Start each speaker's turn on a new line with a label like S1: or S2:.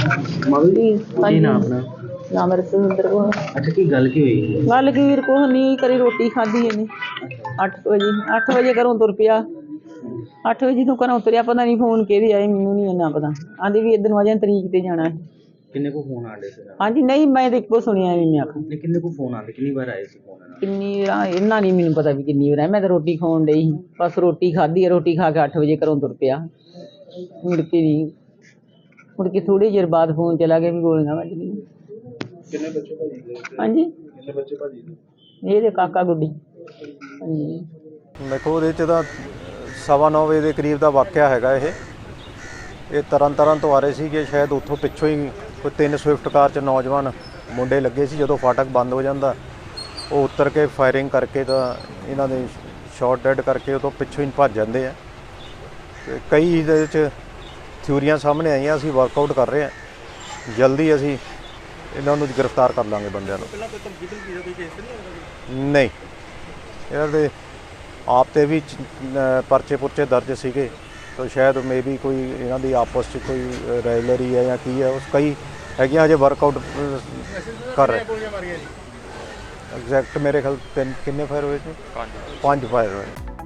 S1: ਕੀ ਨਾਮ ਆਪਣਾ?
S2: ਨਾਮ ਰਸਵਿੰਦਰ ਕੌਰ।
S1: ਅੱਛਾ, ਕੀ ਗੱਲ ਕੀ ਹੋਈ?
S2: ਗੱਲ ਕੀ ਵੀਰ ਕੁਛ ਨਹੀਂ ਕਰੀ ਰੋਟੀ ਖਾਧੀ ਇਹਨੇ 8 ਵਜੇ ਘਰੋਂ ਤੁਰ ਪਿਆ। 8 ਵਜੇ ਤੋਂ ਘਰੋਂ ਤੁਰਿਆ, ਪਤਾ ਨਹੀਂ ਫੋਨ ਕਿਹਦੇ ਆਏ, ਮੈਨੂੰ ਨਹੀਂ ਇੰਨਾ ਪਤਾ। ਆਂਦੀ ਵੀ ਇੱਧਰ ਨੂੰ ਅਜੇ ਤਰੀਕ ਤੇ ਜਾਣਾ ਹੈ।
S1: ਕਿੰਨੇ ਕੋ ਫੋਨ ਆਂਦੇ ਸੀ?
S2: ਹਾਂਜੀ ਨਹੀਂ, ਮੈਂ ਤਾਂ ਇੱਕੋ ਸੁਣਿਆ ਵੀ ਮੈਂ ਆਖਾਂ
S1: ਕਿੰਨੇ ਕੋ ਫੋਨ ਆਂਦੇ, ਕਿੰਨੀ ਵਾਰ ਆਏ ਸੀ ਫੋਨ?
S2: ਕਿੰਨੀ ਵਾਰ ਇਹਨਾਂ ਨਹੀਂ ਮੈਨੂੰ ਪਤਾ ਵੀ ਕਿੰਨੀ ਵਾਰ ਆਇਆ। ਮੈਂ ਤਾਂ ਰੋਟੀ ਖਾਣ ਡਈ ਸੀ, ਬਸ ਰੋਟੀ ਖਾਧੀ ਹੈ। ਰੋਟੀ ਖਾ ਕੇ 8 ਵਜੇ ਘਰੋਂ ਤੁਰ ਪਿਆ। ਮੁੜ ਕੇ ਨਹੀਂ, ਮੁੜ ਕੇ ਥੋੜ੍ਹੀ ਦੇਰ ਬਾਅਦ ਫੋਨ ਚਲਾ ਗਿਆ ਵੀ ਗੋਲੀਆਂ ਵੱਜ ਗਈਆਂ।
S1: ਕਿੰਨੇ ਬੱਚੇ ਭਾਜੀ?
S2: ਹਾਂਜੀ,
S1: ਕਿੰਨੇ ਬੱਚੇ ਭਾਜੀ?
S2: ਇਹਦੇ ਕਾਕਾ ਗੁੱਡੀ। ਹਾਂਜੀ,
S3: ਦੇਖੋ ਉਹਦੇ 'ਚ ਤਾਂ 9:15 ਵਜੇ ਦੇ ਕਰੀਬ ਦਾ ਵਾਕਿਆ ਹੈਗਾ। ਇਹ ਤਰਨ ਤੋਂ ਆ ਰਹੇ ਸੀਗੇ, ਸ਼ਾਇਦ ਉੱਥੋਂ ਪਿੱਛੋਂ ਹੀ ਕੋਈ 3 ਸਵਿਫਟ ਕਾਰ 'ਚ ਨੌਜਵਾਨ ਮੁੰਡੇ ਲੱਗੇ ਸੀ। ਜਦੋਂ ਫਾਟਕ ਬੰਦ ਹੋ ਜਾਂਦਾ, ਉਹ ਉਤਰ ਕੇ ਫਾਇਰਿੰਗ ਕਰਕੇ ਤਾਂ ਇਹਨਾਂ ਦੇ ਸ਼ਾਟ ਡੈਡ ਕਰਕੇ ਉਹ ਤੋਂ ਪਿੱਛੋਂ ਹੀ ਭੱਜ ਜਾਂਦੇ ਆ। ਅਤੇ ਕਈ ਇਹਦੇ 'ਚ ਥਿਊਰੀਆਂ ਸਾਹਮਣੇ ਆਈਆਂ। ਅਸੀਂ ਵਰਕਆਊਟ ਕਰ ਰਹੇ ਹਾਂ, ਜਲਦੀ ਅਸੀਂ ਇਹਨਾਂ ਨੂੰ ਗ੍ਰਿਫਤਾਰ ਕਰ ਲਾਂਗੇ ਬੰਦਿਆਂ ਨੂੰ। ਨਹੀਂ, ਇਹਨਾਂ ਦੇ ਆਪ 'ਤੇ ਵੀ ਪਰਚੇ ਪੁਰਚੇ ਦਰਜ ਸੀਗੇ, ਤਾਂ ਸ਼ਾਇਦ ਮੇ ਵੀ ਕੋਈ ਇਹਨਾਂ ਦੀ ਆਪਸ 'ਚ ਕੋਈ ਰਾਈਵਲਰੀ ਹੈ ਜਾਂ ਕੀ ਹੈ, ਉਸ ਕਈ ਹੈਗੀਆਂ। ਹਜੇ ਵਰਕਆਊਟ ਕਰ ਰਹੇ। ਐਗਜ਼ੈਕਟ ਮੇਰੇ ਖਿਆਲ ਕਿੰਨੇ ਫਾਇਰ ਹੋਏ ਸੀ? 5 ਫਾਇਰ ਹੋਏ।